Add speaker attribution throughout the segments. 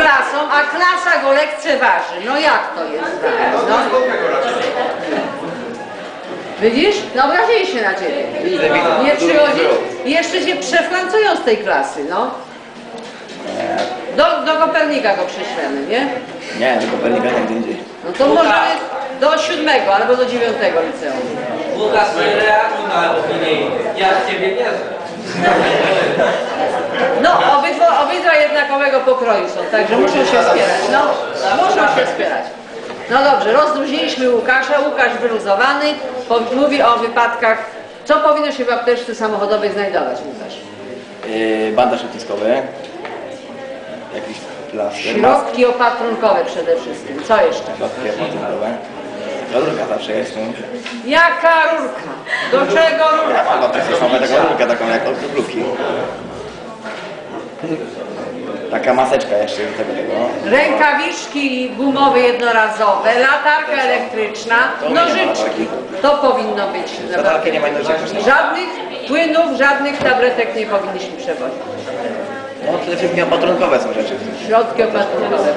Speaker 1: klasą, a klasa go lekceważy. No jak to jest? No. Widzisz? No obrazili się na ciebie. Nie przychodzi? I jeszcze się przeflancują z tej klasy, no. Do Kopernika go prześlemy, nie?
Speaker 2: Nie, do Kopernika tam gdzie indziej.
Speaker 1: No to może do 7 albo do 9 liceum.
Speaker 3: Łukasz, nie reaguj na opinię. Ja w ciebie wierzę.
Speaker 1: No, obydwa jednakowego pokroju są, także muszą się wspierać, no. Muszą się wspierać. No dobrze, rozluźniliśmy Łukasza, Łukasz wyluzowany, mówi o wypadkach. Co powinno się w apteczce samochodowej znajdować, Łukasz?
Speaker 2: Bandaż odciskowy. Jakiś plaster.
Speaker 1: Środki opatrunkowe przede wszystkim. Co jeszcze?
Speaker 2: Środki opatrunkowe. Rurka zawsze jest.
Speaker 1: Jaka rurka? Do czego rurka?
Speaker 2: No to jest mamy taką rurkę, taką jak od grublówki. Taka maseczka jeszcze do tego.
Speaker 1: Rękawiczki gumowe jednorazowe, latarka elektryczna, nożyczki. To powinno być.
Speaker 2: Latarki nie ma nożyczek.
Speaker 1: Żadnych płynów, żadnych tabletek nie powinniśmy przewozić.
Speaker 2: No przede wszystkim opatrunkowe są rzeczy.
Speaker 1: Środki opatrunkowe.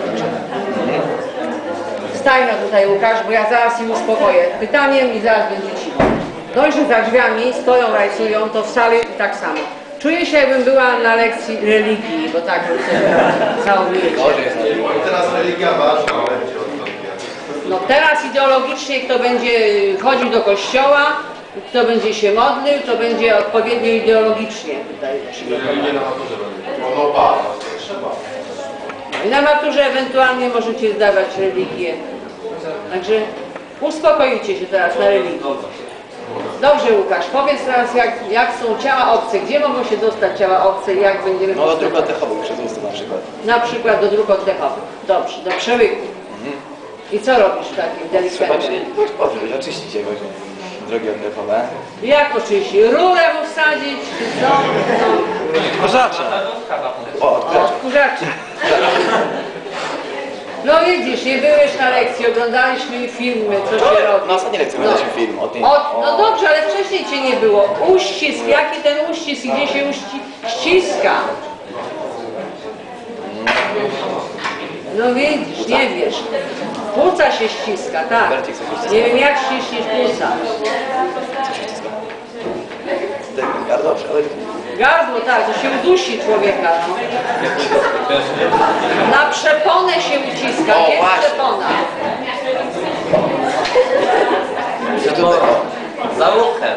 Speaker 1: Staj no tutaj Łukasz, bo ja zaraz im uspokoję pytaniem i zaraz będzie cicho. Dość, że za drzwiami stoją, rajcują, to w sali tak samo. Czuję się, jakbym była na lekcji religii, bo tak załamujecie.
Speaker 4: Teraz religia ważna.
Speaker 1: No teraz ideologicznie kto będzie chodził do kościoła, kto będzie się modlił, to będzie odpowiednio ideologicznie tutaj przygotowany.
Speaker 4: Nie na maturze będzie. No ba, trzeba.
Speaker 1: I na maturze ewentualnie możecie zdawać religię. Także uspokoicie się teraz na religii. Dobrze Łukasz, powiedz teraz jak są ciała obce, gdzie mogą się dostać ciała obce i jak będziemy
Speaker 2: No do dróg oddechowych przez usta na przykład.
Speaker 1: Na przykład do dróg oddechowych. Dobrze, do przełyku. I co robisz w takim delikwencie?
Speaker 2: Trzeba oczyścić je właśnie. Drogi oddechowe.
Speaker 1: Jak oczywiście? Rurę mu wsadzić, czy co? No.
Speaker 2: Odkurzacza. O,
Speaker 1: Odkurzacze. No widzisz, nie byłeś na lekcji, oglądaliśmy filmy, co się robi.
Speaker 2: Na ostatniej lekcji oglądaliśmy film o tym.
Speaker 1: No dobrze, ale wcześniej cię nie było. Uścisk, jaki ten uścisk i gdzie się ściska? No widzisz, nie wiesz. Płuca się ściska, tak. Nie wiem jak ściśniesz płuca.
Speaker 2: Co się ściska? Gardło, ale...
Speaker 1: Gardło, tak, to się udusi człowieka. No. Na przeponę się uciska,
Speaker 2: O,
Speaker 1: jest
Speaker 2: właśnie.
Speaker 1: przepona.
Speaker 3: Za uchem.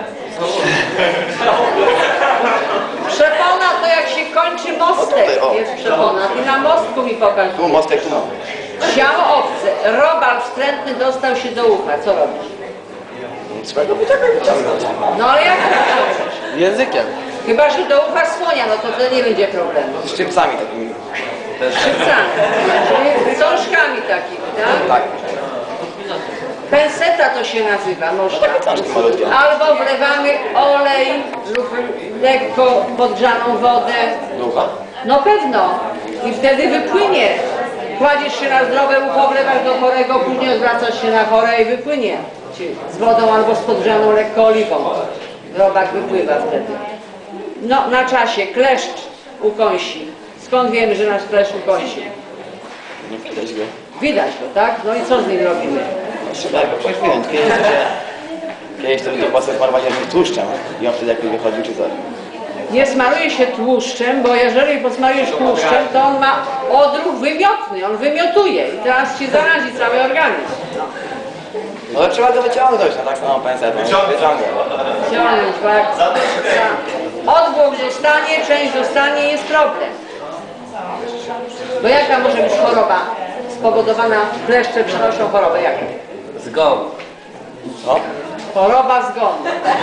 Speaker 1: Przepona to jak się kończy mostek,
Speaker 2: tutaj, o.
Speaker 1: jest przepona. I na mostku mi pokaż.
Speaker 2: Tu mostek, tu.
Speaker 1: Ciało obce, robal wstrętny dostał się do ucha, co robisz?
Speaker 2: Trzeba go wyciągnąć.
Speaker 1: No ale jak to wyciągniesz?
Speaker 2: Językiem.
Speaker 1: Chyba, że do ucha słonia, no to wtedy nie będzie problemu.
Speaker 2: Z szczypcami takimi.
Speaker 1: Szczypcami, czyli sążkami takimi, tak?
Speaker 2: Tak.
Speaker 1: Penseta to się nazywa, można.
Speaker 2: Cząstki malutkie.
Speaker 1: Albo wlewamy olej lub lekko podgrzaną wodę.
Speaker 2: Długo?
Speaker 1: No pewno. I wtedy wypłynie. Kładziesz się na zdrowe ucho, wlewasz do chorego, później odwracasz się na chore i wypłynie. Z wodą albo z podgrzaną lekko oliwą. Robak wypływa wtedy. No, na czasie. Kleszcz ukąsi. Skąd wiemy, że nasz kleszcz ukąsi?
Speaker 2: Nie widać go.
Speaker 1: Widać go, tak? No i co z nim robimy?
Speaker 2: Trzeba go przecież wyjąć. Kiedyś to będzie pasek smarować jakimś tłuszczem i on wtedy jakby wychodził czy coś.
Speaker 1: Nie smaruje się tłuszczem, bo jeżeli posmarujesz tłuszczem, to on ma odruch wymiotny, on wymiotuje i teraz ci zarazi cały organizm.
Speaker 2: No ale trzeba go wyciągnąć, no tak samo pensetą. Wyciągnąć.
Speaker 1: Ciągnąć, bo jak odgłos zostanie, część zostanie, jest problem. Bo jaka może być choroba spowodowana, kleszcze przynoszą chorobę, jaką?
Speaker 3: Zgon.
Speaker 2: Co?
Speaker 1: Choroba zgonu.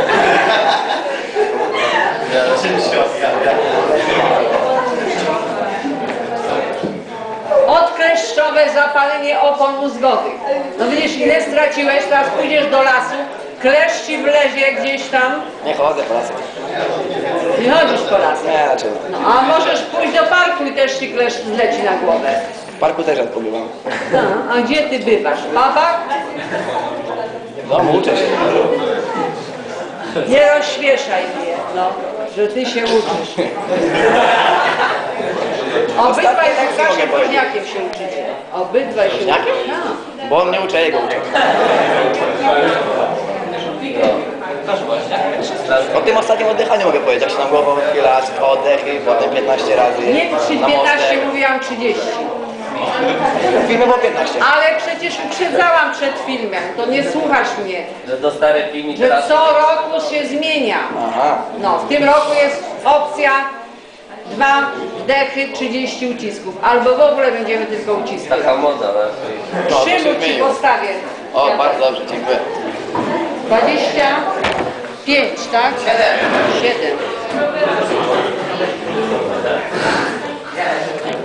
Speaker 1: Odkleszczowe zapalenie opon mózgowych. No widzisz, ile straciłeś, teraz pójdziesz do lasu, kleszcz ci wlezie gdzieś tam.
Speaker 2: Nie chodzę po lasach.
Speaker 1: Nie chodzisz po lasach.
Speaker 2: Nie, dlaczego?
Speaker 1: No, a możesz pójść do parku i też ci kleszcz zleci na głowę.
Speaker 2: W parku też rzadko bywam.
Speaker 1: A gdzie ty bywasz? W babach?
Speaker 2: W domu uczę się.
Speaker 1: Nie rozśmieszaj mnie, no, że ty się uczysz. Obydwaj
Speaker 2: Ostatnie
Speaker 1: z
Speaker 2: tak
Speaker 1: Łukaszem
Speaker 2: mogę powiedzieć.
Speaker 1: Woźniakiem się uczycie. Obydwaj się
Speaker 2: Woźniakiem?
Speaker 1: uczycie. Tak.
Speaker 2: Bo on mnie uczy, a jego uczę.
Speaker 3: Proszę właśnie.
Speaker 2: O tym ostatnim oddychaniu mogę powiedzieć, jak się nam głową chwilę raz, 2 oddechy, potem 15 razy.
Speaker 1: Nie
Speaker 2: na
Speaker 1: 15,
Speaker 2: mostek.
Speaker 1: mówiłam 30.
Speaker 2: W filmie było 15.
Speaker 1: Ale przecież uprzedzałam przed filmem, to nie słuchasz mnie,
Speaker 3: Że to stary film i
Speaker 1: że
Speaker 3: teraz...
Speaker 1: co roku się zmienia.
Speaker 2: Aha.
Speaker 1: No, w tym roku jest opcja 2 wdechy, 30 ucisków. Albo w ogóle będziemy tylko uciski.
Speaker 3: Taka moda, ale...
Speaker 2: No, to się
Speaker 1: Krzymu ci
Speaker 2: zmieniło.
Speaker 1: postawię.
Speaker 2: O, bardzo dobrze, dziękuję.
Speaker 1: 25, tak? 7.